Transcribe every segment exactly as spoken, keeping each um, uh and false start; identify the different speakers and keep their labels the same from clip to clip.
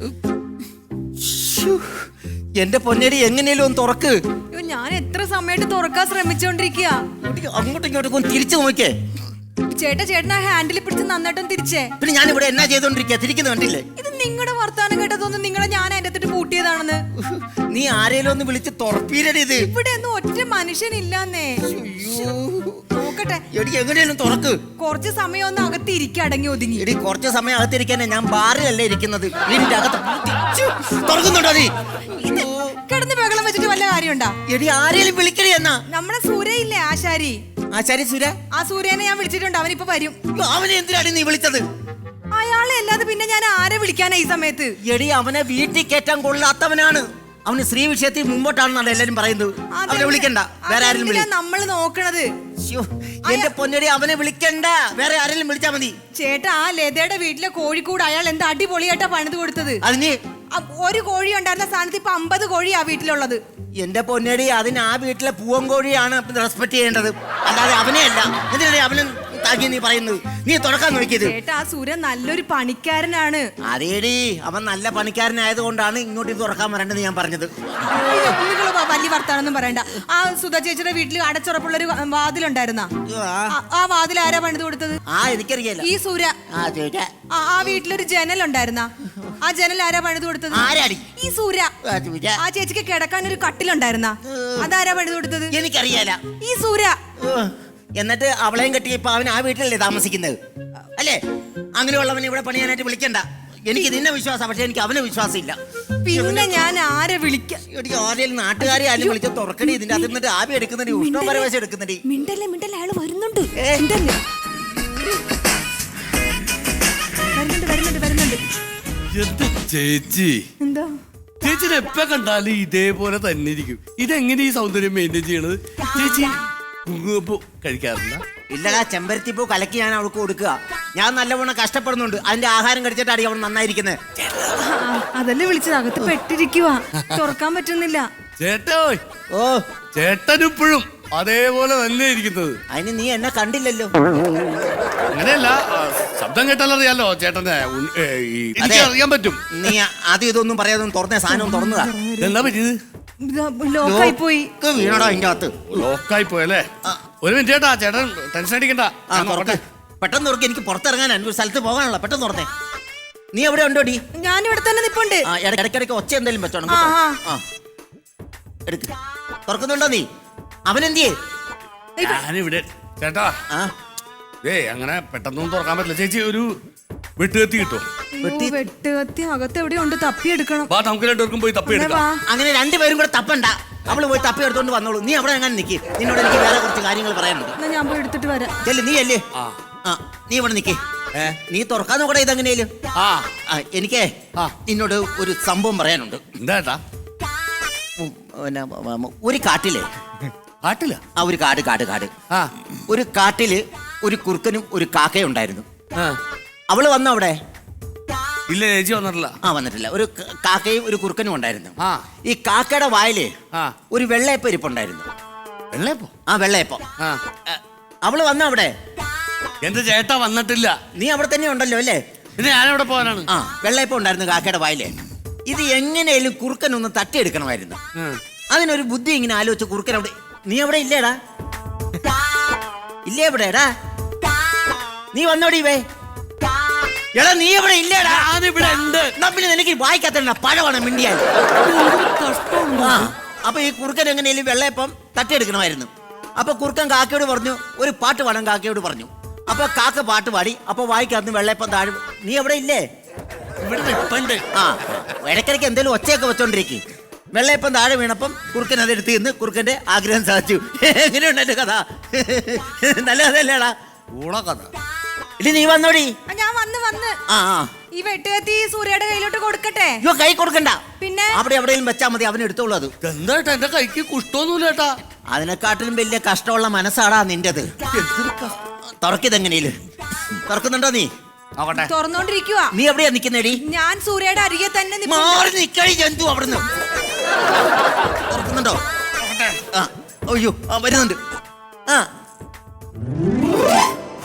Speaker 1: എന്റെ പൊന്നേരി എങ്ങനെയല്ലോ ഒന്ന് തുറക്ക്.
Speaker 2: ഞാൻ എത്ര സമയത്ത് തുറക്കാൻ ശ്രമിച്ചോണ്ടിരിക്കുക.
Speaker 1: അങ്ങോട്ടും ഇങ്ങോട്ടും തിരിച്ചു നോക്കിയേ.
Speaker 2: ചേട്ടാ ചേട്ടൻ ആ ഹാൻഡിൽ പിടിച്ച് നന്നായിട്ടും തിരിച്ചേ.
Speaker 1: പിന്നെ ഞാൻ ഇവിടെ എന്നാ ചെയ്തോണ്ടിരിക്കുക? തിരിക്കുന്നു കണ്ടില്ലേ?
Speaker 2: ഇത് നിങ്ങളുടെ വർത്താനം കേട്ടതൊന്നും നിങ്ങളെ ഞാൻ അതിന്റെ അടുത്തിട്ട് പൂട്ടിയതാണെന്ന്.
Speaker 1: നീ ആരേലും ഒന്ന് വിളിച്ച് തുറപ്പീരടി. ഇത്
Speaker 2: ഇവിടെ ഒന്നും ഒറ്റ മനുഷ്യനില്ലാന്നേ. നോക്കട്ടെ
Speaker 1: എടി എങ്ങനെയാലും തുറക്ക്.
Speaker 2: കുറച്ച് സമയം ഒന്ന് അകത്ത് ഇരിക്കുക, അടങ്ങി ഒതുങ്ങി.
Speaker 1: എടി കുറച്ച് സമയം അകത്തിരിക്കാനേ, ഞാൻ ബാറിലല്ലേ ഇരിക്കുന്നത്. വീടിന്റെ അകത്ത് തുറക്കുന്നുണ്ടോ നീ?
Speaker 2: കിടന്ന് ബഹളം വെച്ചിട്ട് വല്ല കാര്യമുണ്ടാ?
Speaker 1: എടി ആരേലും വിളിക്കണേ എന്നാ.
Speaker 2: നമ്മുടെ സൂര്യയില്ലേ ആശാരി?
Speaker 1: ആശാരി സൂര്യ?
Speaker 2: ആ സൂര്യനെ ഞാൻ വിളിച്ചിട്ടുണ്ട്, അവനിപ്പോ വരും.
Speaker 1: അവനെ എന്തിനാണ് നീ വിളിച്ചത്?
Speaker 2: അയാളെ അല്ലാതെ പിന്നെ ഞാൻ ആരെ വിളിക്കാനാ ഈ സമയത്ത്?
Speaker 1: എടി അവനെ വീട്ടിൽ കയറ്റാൻ കൊള്ളാത്തവനാണ്. അവന് സ്ത്രീ വിഷയത്തിൽ മുമ്പോട്ടാണെന്നാണ് എല്ലാരും പറയുന്നത്. അവനെ വിളിക്കണ്ട, വേറെ ആരെങ്കിലും വിളി.
Speaker 2: നമ്മള് നോക്കണത്.
Speaker 1: എന്റെ പൊന്നടി, അവനെ വിളിക്കണ്ട, വേറെ ആരെങ്കിലും വിളിച്ചാ മതി.
Speaker 2: ചേട്ടാ, ആ ലതയുടെ വീട്ടിലെ കോഴിക്കൂട് അയാൾ എന്താ അടിപൊളിയായിട്ടാ പണിത് കൊടുത്തത്.
Speaker 1: അതിന്
Speaker 2: ഒരു കോഴി ഉണ്ടായിരുന്ന സ്ഥാനത്ത് ഇപ്പൊ അമ്പത് കോഴി ആ വീട്ടിലുള്ളത്.
Speaker 1: എന്റെ പൊന്നടി, അതിന് ആ വീട്ടിലെ പൂവൻ കോഴിയാണ് റെസ്പെക്ട് ചെയ്യേണ്ടത്, അല്ലാതെ അവനെ അല്ല. എന്തിനാണ് അവനെ താക്കി നീ പറയുന്നത്? നീ തുറക്കാൻ നോക്കിയത്.
Speaker 2: ചേട്ടാ, ആ സൂര്യൻ നല്ലൊരു പണിക്കാരനാണ്.
Speaker 1: അതേടി, അവൻ നല്ല പണിക്കാരനായത് കൊണ്ടാണ് ഇങ്ങോട്ട് ഇത് തുറക്കാൻ വരേണ്ടത് ഞാൻ പറഞ്ഞത്.
Speaker 2: വലിയ വർത്താനൊന്നും പറയണ്ട. ആ സുധ ചേച്ചിയുടെ വീട്ടിൽ അടച്ചുറപ്പുള്ളൊരു വാതിലുണ്ടായിരുന്ന, ആ വാതിൽ ആരാ പണിത് കൊടുത്തത്?
Speaker 1: ആ എനിക്കറിയാലോ,
Speaker 2: ഈ സൂര്യ. ആ വീട്ടിലൊരു ജനൽ ഉണ്ടായിരുന്ന, ആ ജനൽ ആരാ പണിത് കൊടുത്തത്?
Speaker 1: ആരാടി?
Speaker 2: ഈ സൂര്യ. ആ ചേച്ചിക്ക് കിടക്കാൻ ഒരു കട്ടിലുണ്ടായിരുന്ന, അതാരാ പണിത് കൊടുത്തത്?
Speaker 1: എനിക്കറിയാല.
Speaker 2: ഈ സൂര്യ.
Speaker 1: എന്നിട്ട് അവളെയും കെട്ടി ഇപ്പൊ അവൻ ആ വീട്ടിലല്ലേ താമസിക്കുന്നത് അല്ലേ? അങ്ങനെയുള്ളവനെ ഇവിടെ പണിയാനായിട്ട് വിളിക്കണ്ട. എനിക്ക് നിന്നെ വിശ്വാസം, പക്ഷെ എനിക്ക് അവനെ വിശ്വാസം ഇല്ല.
Speaker 2: പിന്നെ ഞാൻ ആരെ വിളിക്കാം?
Speaker 1: ആരെയും നാട്ടുകാരെ ആരും വിളിച്ച തുറക്കണി. ഇതിന്റെ അതിൽ നിന്നിട്ട് ആവി എടുക്കുന്നടി, ഉഷ്ണ പരവേശം എടുക്കുന്നടി.
Speaker 2: മിണ്ടല്ലേ മിണ്ടല്ലേ, അയാൾ വരുന്നുണ്ട്. വരുന്നുണ്ട് വരുന്നുണ്ട് വരുന്നുണ്ട്.
Speaker 3: ചേച്ചി
Speaker 2: എന്താ
Speaker 3: ചേച്ചിനെ എപ്പ കണ്ടാലും ഇതേപോലെ തന്നെ ഇരിക്കും. ഇതെങ്ങനെ ഈ സൗന്ദര്യം മെയിൻറ്റെയിൻ ചെയ്യണത്? ചേച്ചി കുങ്കുമപ്പൂ കഴിക്കാറില്ല?
Speaker 1: ഇല്ലടാ, ചെമ്പരത്തിപ്പൂ കലക്കി ഞാൻ അവൾക്ക് കൊടുക്കുക. ഞാൻ നല്ലവണ്ണം കഷ്ടപ്പെടുന്നുണ്ട്. അതിന്റെ ആഹാരം കഴിച്ചിട്ടാണ് അവൻ നന്നായിരിക്കുന്നത്.
Speaker 2: അതല്ലേ വിളിച്ചത്, അകത്ത് പെട്ടിരിക്കുക, തുറക്കാൻ പറ്റുന്നില്ല.
Speaker 3: ചേട്ടോ,
Speaker 1: ഓ
Speaker 3: ചേട്ടനിപ്പോഴും അതേപോലെ തന്നെ ഇരിക്കുന്നത്.
Speaker 1: അതിന് നീ എന്നെ കണ്ടില്ലല്ലോ.
Speaker 3: അങ്ങനെയല്ല, ശബ്ദം കേട്ടാലറിയാലോ ചേട്ടനെ. അറിയാൻ പറ്റും.
Speaker 1: നീ ആദ്യം ഇതൊന്നും പറയാതെ തുറന്ന സാധനം തുറന്നതാ.
Speaker 3: എന്താ പറ്റിയത്?
Speaker 2: ലോക്കായി പോയി.
Speaker 1: വീണടാ അതിന്റെ അകത്ത്.
Speaker 3: ലോക്കായി പോയല്ലേ? ഒരു മിനിറ്റ് ചേട്ടാ, ചേട്ടൻ ടെൻഷൻ അടിക്കണ്ട.
Speaker 1: പെട്ടെന്ന് തുറക്ക്, എനിക്ക് പുറത്തിറങ്ങാൻ ഒരു സ്ഥലത്ത് പോകാനുള്ള. പെട്ടെന്ന് തുറന്നേ. നീ എവിടെ ഉണ്ടോടി?
Speaker 2: ഞാൻ ഇവിടെ തന്നെ നിപ്പുണ്ട്.
Speaker 1: ഇടയ്ക്കിടയ്ക്ക് ഒച്ച എന്തെങ്കിലും വെച്ചോണം. എടുക്ക്. തുറക്കുന്നുണ്ടോ നീ? അവനെന്തിയേ?
Speaker 3: ഞാനിവിടെ. ചേട്ടാ, ഏ അങ്ങനെ പെട്ടെന്നൊന്നും തുറക്കാൻ പറ്റില്ല. ചേച്ചി ഒരു വെട്ടുകത്തി കിട്ടോ?
Speaker 2: വെട്ടുകത്തി അകത്ത് എവിടെയുണ്ട്, തപ്പിയെടുക്കണം.
Speaker 3: വാ, നമുക്ക് രണ്ടുപേർക്കും പോയി തപ്പിയെടുക്കാം.
Speaker 1: അങ്ങനെ രണ്ടുപേരും കൂടെ തപ്പണ്ട, അവള് പോയി തപ്പി എടുത്തോണ്ട് വന്നോളൂ. നീ അവിടെ എങ്ങനെ നിൽക്കി, നിന്നോട് എനിക്ക് വേറെ കുറച്ച് കാര്യങ്ങൾ പറയാനുണ്ട്.
Speaker 2: ഞാൻ പോയി എടുത്തിട്ട് വരാം.
Speaker 1: ചെല്ല്, നീ അല്ലേ? ആ, നീ ഇവിടെ നിൽക്കേ. നീ തുറക്കാൻ നോക്കട്ടെ ഇതെങ്ങനെയാലും. ആ എനിക്ക് നിന്നോട് ഒരു സംഭവം പറയാനുണ്ട്.
Speaker 3: എന്താ?
Speaker 1: പിന്നെ ഒരു കാട്ടിലെ
Speaker 3: കാട്ടില
Speaker 1: ആ ഒരു കാട് കാട് കാട് ആ ഒരു കാട്ടില് ഒരു കുറുക്കനും ഒരു കാക്കയും ഉണ്ടായിരുന്നു. അവള് വന്നോ അവിടെ?
Speaker 3: ഇല്ല, ചേച്ചി വന്നിട്ടില്ല.
Speaker 1: ആ വന്നിട്ടില്ല. ഒരു കാക്കയും ഒരു കുറുക്കനും ഉണ്ടായിരുന്നു. ഈ കാക്കയുടെ വായില് ഒരു വെള്ളയപ്പം ഇരിപ്പുണ്ടായിരുന്നു.
Speaker 3: വെള്ളയപ്പം?
Speaker 1: ആ വെള്ളയപ്പം. അവള് വന്നോ അവിടെ?
Speaker 3: എന്റെ ചേട്ടാ വന്നിട്ടില്ല.
Speaker 1: നീ അവിടെ തന്നെ ഉണ്ടല്ലോ അല്ലേ?
Speaker 3: പിന്നെ ഞാനവിടെ പോകാനാണ്.
Speaker 1: ആ വെള്ളയപ്പം ഉണ്ടായിരുന്നു കാക്കയുടെ വായില്. ഇത് എങ്ങനെയാലും കുറുക്കൻ ഒന്ന് തട്ടിയെടുക്കണമായിരുന്നു. അതിനൊരു ബുദ്ധി ഇങ്ങനെ ആലോചിച്ച് കുറുക്കൻ അവിടെ. നീ അവിടെ ഇല്ലേടാ? ഇല്ലേ എവിടെടാ? നീ വന്നോടി വേ. എടാ നീ ഇവിടെ ഇല്ലേടാ?
Speaker 3: ഞാനിവിടെ ഉണ്ട്.
Speaker 1: പിന്നെ നിനക്ക് വായിക്കാത്ത പഴമാണ് മിണ്ടിയാൽ. അപ്പൊ ഈ കുറുക്കൻ എങ്ങനെയാലും വെള്ളയപ്പം തട്ടിയെടുക്കണമായിരുന്നു. അപ്പൊ കുറുക്കൻ കാക്കയോട് പറഞ്ഞു, ഒരു പാട്ട് പാടാൻ കാക്കയോട് പറഞ്ഞു. അപ്പൊ കാക്ക പാട്ട് പാടി. അപ്പൊ വായിക്കാത്ത വെള്ളയപ്പം താഴെ. നീ എവിടെ ഇല്ലേ?
Speaker 3: ഇവിടെ നിപ്പുണ്ട്.
Speaker 1: ആ ഇടയ്ക്കിടയ്ക്ക് എന്തെങ്കിലും ഒച്ചയൊക്കെ വെച്ചോണ്ടിരിക്കും. വെള്ളയപ്പം താഴെ വീണപ്പം കുറുക്കൻ അതെടുത്ത് നിന്ന് കുറുക്കന്റെ ആഗ്രഹം സാധിച്ചു. എങ്ങനെയുണ്ട് എന്റെ കഥ? നല്ല കഥയല്ലേടാ?
Speaker 3: ഊള കഥ.
Speaker 1: ഇനി നീ വന്നോടി.
Speaker 2: ഞാൻ വന്ന് വന്ന്
Speaker 1: ആ
Speaker 2: ഈ വെട്ടുകത്തി സൂര്യയുടെ കയ്യിലോട്ട് കൊടുക്കട്ടെ?
Speaker 1: അയ്യോ, കൈ കൊടുക്കണ്ട.
Speaker 2: പിന്നെ
Speaker 1: അവിടെ എവിടെയും വെച്ചാൽ മതി, അവൻ എടുത്തോളൂ. അത്
Speaker 3: എന്താ എന്റെ കൈക്ക് കുഷ്ടമൊന്നുമില്ല ചേട്ടാ.
Speaker 1: അതിനെക്കാട്ടിലും വലിയ കഷ്ടമുള്ള മനസ്സാടാ നിന്റേത്. തുറക്കിതെങ്ങനെയും തുറക്കുന്നുണ്ടോ നീ?
Speaker 2: തുറന്നോണ്ടിരിക്കുക.
Speaker 1: നീ എവിടെയാ നിക്കുന്നേടി?
Speaker 2: ഞാൻ സൂര്യയുടെ അരികെ തന്നെ
Speaker 1: മാറി നിക്കടി ജന്തു. അവിടുന്ന് തുറക്കുന്നുണ്ടോ? ആ അയ്യോ, ആ വരുന്നുണ്ട്. ആ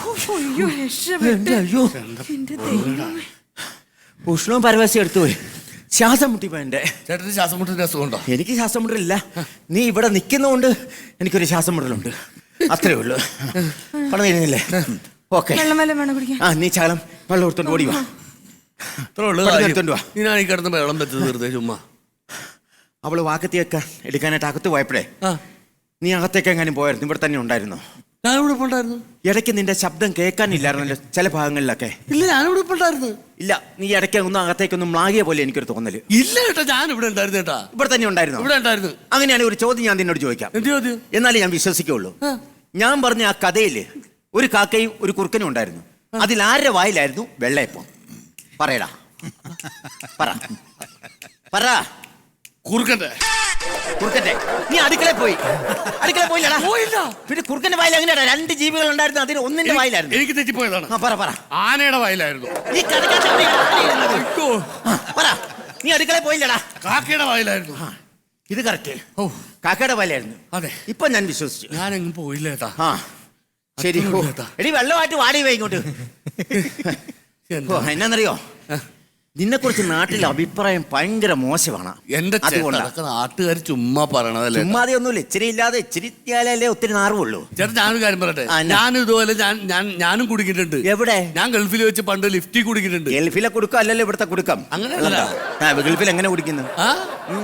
Speaker 2: അയ്യോ,
Speaker 1: ഉഷ്ണവും പരവശം എടുത്തു പോയി. ശ്വാസം മുട്ടിപ്പോ എന്റെ.
Speaker 3: ചേട്ടന് ശ്വാസം മുട്ടിന്റെ അസുഖമുണ്ടോ?
Speaker 1: എനിക്ക് ശ്വാസം മുട്ടലില്ല. നീ ഇവിടെ നിൽക്കുന്നതുകൊണ്ട് എനിക്കൊരു ശ്വാസം മുട്ടലുണ്ട്, അത്രേ ഉള്ളൂ. പണം തരുന്നില്ലേ? ഓക്കെ.
Speaker 2: വെള്ളം വല്ലതും വേണം കുടിക്കാൻ?
Speaker 1: ആ നീ ചാലം വെള്ളം എടുത്തോണ്ട് ഓടി വാ.
Speaker 3: അത്രേ ഉള്ളൂ.
Speaker 1: പെട്ടെന്ന് എടുത്തോണ്ട് വാ.
Speaker 3: ഞാൻ ഈ കിടന്ന് വെള്ളം വെച്ചത് വെറുതെ ചുമ്മാ.
Speaker 1: അവള് വാക്കത്തിയൊക്കെ എടുക്കാനായിട്ട് അകത്ത് പോയപ്പോഴേ
Speaker 3: ആ
Speaker 1: നീ അകത്തേക്ക് എങ്ങാനും പോയായിരുന്നു? ഇവിടെ തന്നെ ഉണ്ടായിരുന്നോ?
Speaker 3: ഞാനിവിടെ ഇപ്പൊ ഉണ്ടായിരുന്നു.
Speaker 1: ഇടയ്ക്ക് നിന്റെ ശബ്ദം കേൾക്കാനില്ലായിരുന്നല്ലോ ചില ഭാഗങ്ങളിലൊക്കെ.
Speaker 3: ഇല്ല, ഞാനിവിടെ ഇപ്പൊ ഉണ്ടായിരുന്നു.
Speaker 1: ഇല്ല, നീ ഇടയ്ക്ക് ഒന്നും അകത്തേക്കൊന്നും മ്ലാകിയ പോലെ എനിക്കൊരു തോന്നല്.
Speaker 3: ഇല്ല ചേട്ടാ, ഞാൻ ഇവിടെ ഉണ്ടായിരുന്നു ചേട്ടാ.
Speaker 1: ഇവിടെ തന്നെ ഉണ്ടായിരുന്നു.
Speaker 3: ഇവിടെ ഉണ്ടായിരുന്നു.
Speaker 1: അങ്ങനെയാണെങ്കിൽ ഒരു ചോദ്യം ഞാൻ നിന്നോട് ചോദിക്കാം,
Speaker 3: എന്ത് ചോദ്യം?
Speaker 1: എന്നാലേ ഞാൻ വിശ്വസിക്കുള്ളൂ. ഞാൻ പറഞ്ഞ ആ കഥയില് ഒരു കാക്കയും ഒരു കുറുക്കനും ഉണ്ടായിരുന്നു. അതിൽ ആരുടെ വായിലായിരുന്നു വെള്ളയപ്പം? പറയടാ, പറ പറ.
Speaker 3: കുറുക്കന്റെ.
Speaker 1: കുറുക്കന്റെ. നീ അടുക്കളയിൽ പോയി അടുക്കളയിൽ പോയില്ലടാ?
Speaker 3: പോയില്ല.
Speaker 1: പിന്നെ കുറുക്കന്റെ വായിൽ എങ്ങനെയാ? രണ്ട് ജീവികൾ ഉണ്ടായിരുന്നു, അതിന് ഒന്നിന്റെ വായിലായിരുന്നു.
Speaker 3: എനിക്ക് തെറ്റിപ്പോയതാണ്.
Speaker 1: ആ പറ പറ.
Speaker 3: ആനയുടെ വായിലായിരുന്നു.
Speaker 1: നീ കടക്കാത്ത എവിടെയാ ആന ഇരുന്നത്?
Speaker 3: അയ്യോ.
Speaker 1: ആ, പറ. നീ അടുക്കളയിൽ പോയില്ലടാ?
Speaker 3: കാക്കയുടെ വായിലായിരുന്നു.
Speaker 1: ആ, ഇത് കറക്റ്റ്.
Speaker 3: ഓ,
Speaker 1: കാക്കയുടെ വായിലായിരുന്നു.
Speaker 3: അതെ.
Speaker 1: ഇപ്പൊ ഞാൻ വിശ്വസിച്ചു.
Speaker 3: ഞാനെങ്ങും പോയില്ല ചേട്ടാ.
Speaker 1: ആ ശരി.
Speaker 3: അത്രേ
Speaker 1: ഓ,
Speaker 3: ഉള്ളൂ ചേട്ടാ.
Speaker 1: എടി വെള്ളമായിട്ട് വാടി പോയി ഇങ്ങോട്ട്.
Speaker 3: എന്താ?
Speaker 1: ഓ, എന്നാന്നറിയോ, നിന്നെ കുറിച്ച് നാട്ടിലെ അഭിപ്രായം ഭയങ്കര മോശമാണ്.
Speaker 3: എന്റെ
Speaker 1: അതുകൊണ്ടാ.
Speaker 3: നാട്ടുകാർ ചുമ്മാ പറയണതല്ലേ.
Speaker 1: ചുമ്മാതെ ഒന്നുമില്ല, ഇച്ചിരി ഇല്ലാതെ ഇച്ചിരി ഇല്ലാലേ ഒത്തിരി നാറുള്ളൂ.
Speaker 3: ചേട്ടാ ഞാനൊരു കാര്യം പറയട്ടെ.
Speaker 1: ആ, എന്നാ?
Speaker 3: ഞാൻ ഇതുപോലെ ഞാൻ ഞാൻ ഞാനും കുടിക്കിട്ടുണ്ട്.
Speaker 1: എവിടെ?
Speaker 3: ഞാൻ ഗൾഫിൽ വെച്ച് പണ്ട് ലിഫ്റ്റിൽ കുടിക്കിട്ടുണ്ട്.
Speaker 1: ഗൾഫിലെ കുടുക്കം അല്ലല്ലോ ഇവിടുത്തെ കുടുക്കം.
Speaker 3: അങ്ങനെയല്ല.
Speaker 1: ആ, ഗൾഫിൽ എങ്ങനെ കുടിക്കുന്നു?
Speaker 3: ആ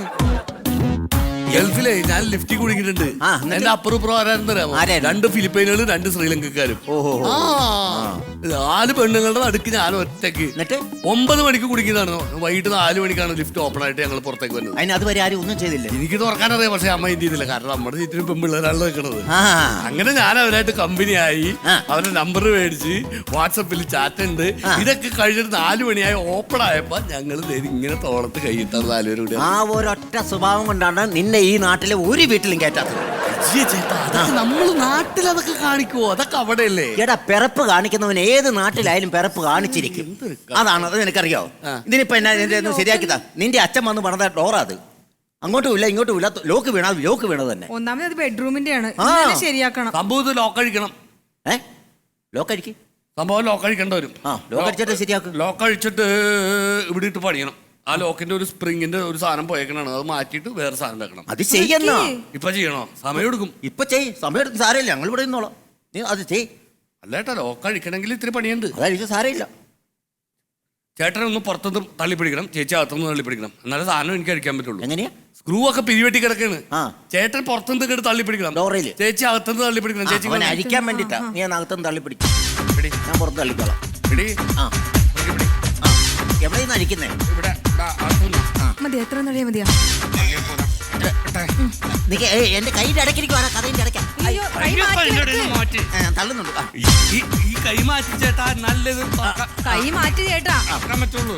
Speaker 3: ഗൾഫിലെ ഞാൻ ലിഫ്റ്റ് കുടിക്കിട്ടുണ്ട്.
Speaker 1: ആ, എന്നിട്ട്?
Speaker 3: എന്റെ അപ്പുറം ആരായിരുന്നു?
Speaker 1: ആരായിരുന്നു?
Speaker 3: രണ്ട് ഫിലിപ്പൈനുകളും രണ്ട് ശ്രീലങ്കക്കാരും.
Speaker 1: ഓഹോ.
Speaker 3: ആ നാല് പെണ്ണുങ്ങളുടെ നടുക്ക് ഞാൻ ഒറ്റയ്ക്ക്
Speaker 1: എന്നിട്ട്
Speaker 3: ഒമ്പത് മണിക്ക് കുടിക്കുന്നതാണ്. വൈകിട്ട് നാല് മണിക്കാണ് ലിഫ്റ്റ് ഓപ്പൺ ആയിട്ട് ഞങ്ങൾ പുറത്തേക്ക് വരുന്നത്.
Speaker 1: അതിന് അതുവരെ ആരും ഒന്നും ചെയ്തില്ല.
Speaker 3: എനിക്ക് തുറക്കാനറിയാം, പക്ഷെ അമ്മ എന്ത് ചെയ്തില്ല. കാരണം നമ്മുടെ ചുറ്റിനും പെൺപിള്ളേരാണ് നിൽക്കുന്നത്.
Speaker 1: ആ
Speaker 3: അങ്ങനെ ഞാൻ അവരായിട്ട് കമ്പനിയായി.
Speaker 1: ആ.
Speaker 3: അവരുടെ നമ്പർ മേടിച്ച് വാട്സപ്പിൽ ചാറ്റ് ഉണ്ട്.
Speaker 1: ആ.
Speaker 3: ഇതൊക്കെ കഴിഞ്ഞിട്ട് നാല് മണിയായി ഓപ്പൺ ആയപ്പോ ഞങ്ങൾ ഇങ്ങനെ തോളത്ത് കൈയിട്ടാണ് നാലുപേരും കൂടി.
Speaker 1: ആ ഒരൊറ്റ സ്വഭാവം കൊണ്ടാണ് നിന്നെ ഈ നാട്ടിലെ ഒരു വീട്ടിലും കയറ്റാത്തത്.
Speaker 3: നമ്മൾ നാട്ടിൽ അതൊക്കെ കാണിക്കുവോ? അതൊക്കെ അവിടെയല്ലേ.
Speaker 1: എടാ, പിറപ്പ് കാണിക്കുന്നവൻ ഏത് നാട്ടിലായാലും പിറപ്പ് കാണിച്ചിരിക്കും. അതാണ്, അത് നിനക്കറിയോ?
Speaker 3: ആ.
Speaker 1: ഇതിനിപ്പോ എന്നാ നിന്റെ ഒന്ന് ശരിയാക്കിതാ. നിന്റെ അച്ഛൻ വന്ന് പണിത ഡോറാ അത്. അങ്ങോട്ടും ഇല്ല ഇങ്ങോട്ടും ഇല്ല, ലോക്ക് വീണ ലോക്ക് വീണത് തന്നെ.
Speaker 2: ഒന്നാമത് അത് ബെഡ്റൂമിന്റെ ആണ്,
Speaker 1: ആ.
Speaker 2: ശരിയാക്കണം.
Speaker 3: സംഭവം ലോക്ക് അഴിക്കണം.
Speaker 1: ഏ ലോക്ക് അടിക്ക്.
Speaker 3: സംഭവം ലോക്ക് അഴിക്കേണ്ട വരും.
Speaker 1: ആ ലോക്ക് അടിച്ചിട്ട് ശരിയാക്കും.
Speaker 3: ലോക്ക് അഴിച്ചിട്ട് ഇവിടെ ഇട്ട് പണിയണം. ആ ലോക്കിന്റെ ഒരു സ്പ്രിങ്ങിന്റെ ഒരു സാധനം പോയേക്കണാണ്, അത് മാറ്റിയിട്ട് വേറെ സാധനം വെക്കണം.
Speaker 1: അത് ചെയ്യുന്ന
Speaker 3: ഇപ്പൊ ചെയ്യണോ? സമയം എടുക്കും.
Speaker 1: ഇപ്പൊ ചെയ്, സമയം എടുത്ത് സാരമില്ല, ഞങ്ങൾ ഇവിടെ നിന്നോളാം. നീ അത് ചെയ്.
Speaker 3: അല്ലേട്ടാ, ലോക്ക് അഴിക്കണമെങ്കിൽ ഇത്തിരി പണിയുണ്ട്.
Speaker 1: അതായത് സാരമില്ല.
Speaker 3: ചേട്ടനെ ഒന്ന് പുറത്തുനിന്ന് തള്ളിപ്പിടിക്കണം, ചേച്ചി അകത്തുനിന്ന് തള്ളിപ്പിടിക്കണം, എന്നാലേ സാധനം എനിക്ക് അഴിക്കാൻ പറ്റുള്ളൂ.
Speaker 1: എങ്ങനെയാ?
Speaker 3: സ്ക്രൂ ഒക്കെ പിരിവെട്ടി കിടക്കാണ്.
Speaker 1: ആ.
Speaker 3: ചേട്ടൻ പുറത്തുനിന്ന് കേട്ട് തള്ളിപ്പിടിക്കണം,
Speaker 1: ഡോറയില്.
Speaker 3: ചേച്ചി അകത്തുനിന്ന് തള്ളിപ്പിടിക്കണം. ചേച്ചി
Speaker 1: അവനെ അരിക്കാൻ വേണ്ടിട്ടാ. നീ അകത്തുനിന്ന് തള്ളി പിടിക്കും,
Speaker 3: പിടി.
Speaker 1: ഞാൻ പുറത്ത് തള്ളിക്കോളാം.
Speaker 3: പിടി.
Speaker 1: ആ
Speaker 3: പിടി, പിടി.
Speaker 1: ആ എവിടെ നിന്ന് അരിക്കുന്നേ?
Speaker 3: ഇവിടെ ദാ, അകത്തുനിന്ന്.
Speaker 2: മതി, എത്ര നടിയാ മതിയാ?
Speaker 3: തള്ളിയാ പോരാ. ഇട്ടെ, ഇട്ടെ.
Speaker 1: നിക്ക്, ഏയ്, എന്റെ കൈയുടെ ഇടയ്ക്കിരിക്കും, ആ കഥയുടെ ഇടയ്ക്ക.
Speaker 2: അയ്യോ, കൈ
Speaker 3: അയ്യോ,
Speaker 2: മാറ്റി
Speaker 3: ഇതിന്റെ
Speaker 2: വെക്ക്.
Speaker 3: ഇടയിൽ മാറ്റി.
Speaker 1: ഞാൻ തള്ളുന്നുണ്ട്. ആ.
Speaker 3: ഈ ഈ കൈ മാറ്റി ചേട്ടാ, നല്ലത് തുറക്കാൻ
Speaker 2: കൈ മാറ്റി ചേട്ടാ.
Speaker 3: തുറക്കാൻ പറ്റുള്ളൂ.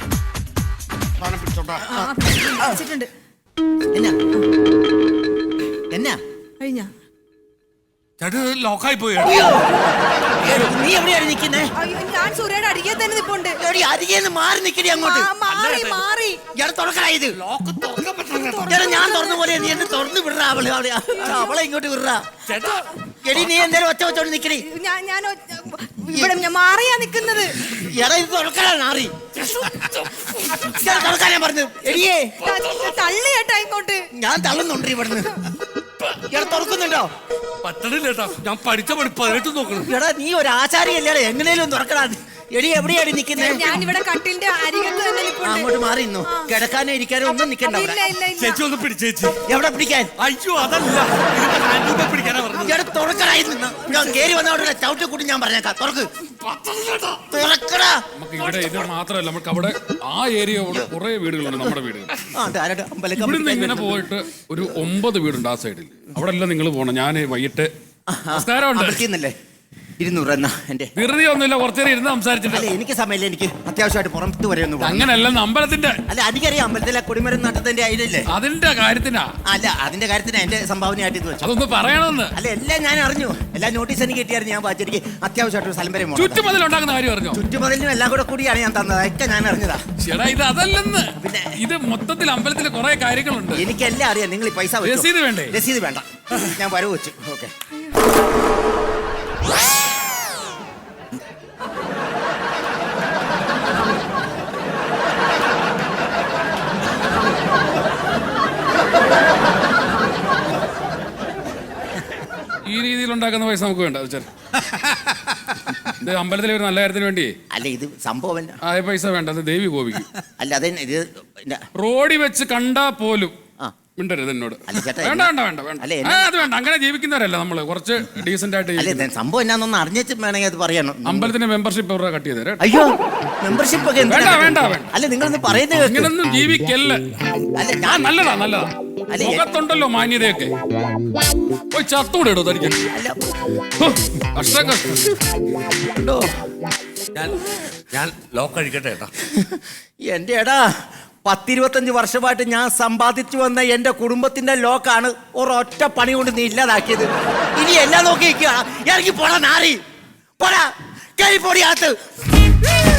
Speaker 3: സാധനം പിടിച്ചോട്ടാ.
Speaker 2: ആ, വെച്ചിട്ടുണ്ട്.
Speaker 1: എന്നാ എന്നാ
Speaker 2: കഴിഞ്ഞ
Speaker 3: ചേട്ടാ ലോക്കായി പോയി.
Speaker 1: അയ്യോ, നീ എവിടെയാണ് നിൽക്കുന്നേ?
Speaker 2: അയ്യോ, ഞാൻ സൂര്യയുടെ അടിയെ തന്നെ നിപ്പുണ്ട്.
Speaker 1: എടി, അരികേന്ന് മാറി നിൽക്കടി അങ്ങോട്ട്.
Speaker 2: ആ, മാറി മാറി.
Speaker 1: ഞാൻ തുറക്കടാ ഇത്.
Speaker 3: ലോക്ക് തുറക്കാൻ പറ്റില്ല.
Speaker 1: എടാ, ഞാൻ തുറന്ന പോലെ നീ എന്നെ തുറന്നു വിടറാ. അവളെ അവളെ അവളെ ഇങ്ങോട്ട് വിടറാ.
Speaker 3: ചേട്ടാ
Speaker 1: എടി, നീ എന്തേലും ഒച്ച വെച്ചോണ്ട് നിക്കടി.
Speaker 2: ഞാൻ ഞാൻ ഒ- ഇവിടെ ഞാൻ മാറിയാ നിക്കുന്നത്.
Speaker 1: എടാ, ഇത് തുറക്കടാ നാറി. ഞാൻ തുറക്കാനാ പറഞ്ഞു. എടിയേ,
Speaker 2: ത- തള്ളി ചേട്ടാ ഇങ്ങോട്ട്.
Speaker 1: ഞാൻ തള്ളുന്നുണ്ട് ഇവിടുന്ന്. എടാ, തുറക്കുന്നുണ്ടോ?
Speaker 3: പറ്റണില്ല ചേട്ടാ, ഞാൻ പഠിച്ച പണി പതിനെട്ട് നോക്കണം.
Speaker 1: എടാ, നീ ഒരു ആചാരിയല്ലേ, എങ്ങനെയും തുറക്കടാ. എടി, എവിടെയാണ് നിൽക്കുന്നത്?
Speaker 2: ഞാൻ ഇവിടെ കട്ടിലിന്റെ അരികത്ത് തന്നെ നിപ്പുണ്ട്.
Speaker 1: അങ്ങോട്ട് മാറി നിന്നു. കിടക്കാനോ ഇരിക്കാനോ ഒന്നും നിൽക്കണ്ട
Speaker 2: ഇല്ല
Speaker 1: അവിടെ.
Speaker 2: ഇല്ല ഇല്ല.
Speaker 3: ചേച്ചി ഒന്ന് പിടിച്ചേച്ചി.
Speaker 1: എവിടെ പിടിക്കാൻ?
Speaker 3: അയ്യോ അതല്ല, ഇതിപ്പോ ഹാൻഡിൽ പിടിക്കാനാ പറഞ്ഞത്.
Speaker 1: എടാ, തുറക്കടാ ഇന്ന്. ഞാൻ കേറി വന്ന അവിടെ ചവിട്ടി കൂട്ടി ഞാൻ പറഞ്ഞേക്കാം. തുറക്ക്, തുറക്കടാ.
Speaker 4: നമുക്ക് ഇവിടെ ഇത് മാത്രമല്ല, നമുക്ക് അവിടെ ആ ഏരിയ കുറെ വീടുകളുണ്ട്, നമ്മുടെ വീടുകൾ.
Speaker 1: ആ, ധാരാളം അമ്പലക്കം
Speaker 4: ഇവിടുന്ന് ഇങ്ങനെ പോയിട്ട് ഒരു ഒമ്പത് വീടുണ്ട് ആ സൈഡിൽ. അവിടെ എല്ലാം നിങ്ങൾ പോകണം. ഞാൻ വൈകിട്ട് നമസ്കാരമുണ്ട്.
Speaker 1: പറ്റിയെന്നല്ലേ? ഇരുന്നൂറ് എന്നാ എന്റെ.
Speaker 4: വെറുതെ ഒന്നുമില്ല, കുറച്ചേരം ഇരുന്ന് സംസാരിച്ചിട്ട്.
Speaker 1: അല്ല, എനിക്ക് സമയമില്ല. എനിക്ക് അത്യാവശ്യമായിട്ട് പുറത്ത് വരെ ഒന്ന് പോകണം.
Speaker 4: അങ്ങനെയല്ല, അമ്പലത്തിന്റെ
Speaker 1: അല്ല, എനിക്കറിയാം അമ്പലത്തിലെ കൊടിമരം നട്ടത്തിന്റെ ഐഡിയല്ലേ.
Speaker 4: അതിന്റെ കാര്യത്തിനാ.
Speaker 1: അല്ല, അതിന്റെ കാര്യത്തിന് എന്റെ സംഭാവനയായിട്ട് ഇത് വെച്ചു.
Speaker 4: അതൊന്ന് പറയണമെന്ന്.
Speaker 1: അല്ല, എല്ലാം ഞാൻ അറിഞ്ഞു. എല്ലാ നോട്ടീസ് എനിക്ക് കിട്ടിയായിരുന്നു. ഞാൻ വായിച്ചു. എനിക്ക് അത്യാവശ്യമായിട്ട് ഒരു സ്ഥലം വരെ പോകണം.
Speaker 4: ചുറ്റുമതിൽ ഉണ്ടാക്കുന്ന കാര്യം അറിഞ്ഞോ?
Speaker 1: ചുറ്റുമതിലും എല്ലാം കൂടെ കൂടിയാണ് ഞാൻ തന്നത്. ഒക്കെ ഞാൻ അറിഞ്ഞതാ.
Speaker 4: ചേട്ടാ, ഇത് അതല്ലെന്ന്.
Speaker 1: പിന്നെ?
Speaker 4: ഇത് മൊത്തത്തിൽ അമ്പലത്തിലെ കുറെ കാര്യങ്ങളുണ്ട്.
Speaker 1: എനിക്കെല്ലാം അറിയാം. നിങ്ങൾ ഈ പൈസ വെച്ചോ.
Speaker 4: രസീത് വേണ്ടേ?
Speaker 1: രസീത് വേണ്ട, ഞാൻ വരവ് വെച്ചു. ഓക്കെ.
Speaker 4: ഉണ്ടാക്കുന്ന പൈസ നമുക്ക് വേണ്ട വെച്ചാൽ ഇത് അമ്പലത്തിലെ ഒരു നല്ല കാര്യത്തിന് വേണ്ടി
Speaker 1: അല്ല ഇത് സംഭവമല്ല.
Speaker 4: ആ പൈസ വേണ്ട, അത് ദേവി കോപിക്കും.
Speaker 1: അല്ല അതെ ഇത് ഇന്ന-
Speaker 4: റോഡിൽ വെച്ച് കണ്ടാ പോലും
Speaker 1: ആ.
Speaker 4: മിണ്ടരുത് എന്നോട്.
Speaker 1: അല്ല ചേട്ടാ,
Speaker 4: വേണ്ട വേണ്ട വേണ്ട വേണ്ട
Speaker 1: അല്ല,
Speaker 4: ആ, അത് വേണ്ട. അങ്ങനെ ജീവിക്കുന്നവരല്ല നമ്മള്, കുറച്ച് ഡീസന്റ് ആയിട്ട്
Speaker 1: അല്ല
Speaker 4: ജീവിക്കുന്നത്.
Speaker 1: ഇത് സംഭവം എന്നാന്നൊന്ന് അറിഞ്ഞിട്ട് വേണമെങ്കിൽ അത് പറയണം.
Speaker 4: അമ്പലത്തിന്റെ മെമ്പർഷിപ്പ് എവിടെ കട്ട് ചെയ്തേ?
Speaker 1: അയ്യോ മെമ്പർഷിപ്പ് ഒക്കെ എന്തിനാ?
Speaker 4: വേണ്ട, വേണ്ട, വേണ്ട.
Speaker 1: അല്ല നിങ്ങളൊന്ന് പറയുന്നത് കേൾക്ക്.
Speaker 4: ഇങ്ങനൊന്നും ജീവിക്കല്ല.
Speaker 1: അല്ല
Speaker 4: ആ
Speaker 1: ഞാൻ
Speaker 4: നല്ലതാ നല്ലതാ.
Speaker 1: അല്ല, എ-
Speaker 4: മുഖത്തുണ്ടല്ലോ മാന്യതയൊക്കെ. പോയി ചത്തൂടെ ഇടോ തനിക്ക്.
Speaker 1: അല്ല
Speaker 4: ഹോ, കഷ്ടം കഷ്ടം.
Speaker 1: ഉണ്ടോ?
Speaker 3: ഞാൻ ഞാൻ ലോക്ക് അഴിക്കട്ടെ ഏട്ടാ.
Speaker 1: എന്റെ എടാ പത്തിരുപത്തഞ്ച് വർഷമായിട്ട് ഞാൻ സമ്പാദിച്ചു വന്ന എന്റെ കുടുംബത്തിന്റെ ലോക്കാണ് ഒരൊറ്റ പണി കൊണ്ട് നീ ഇല്ലാതാക്കിയത്. ഇനി എല്ലാം നോക്കി നിൽക്കുക. ഇറങ്ങി പോടാ നാറി, പോടാ കയറി പോടിയാത്ത്.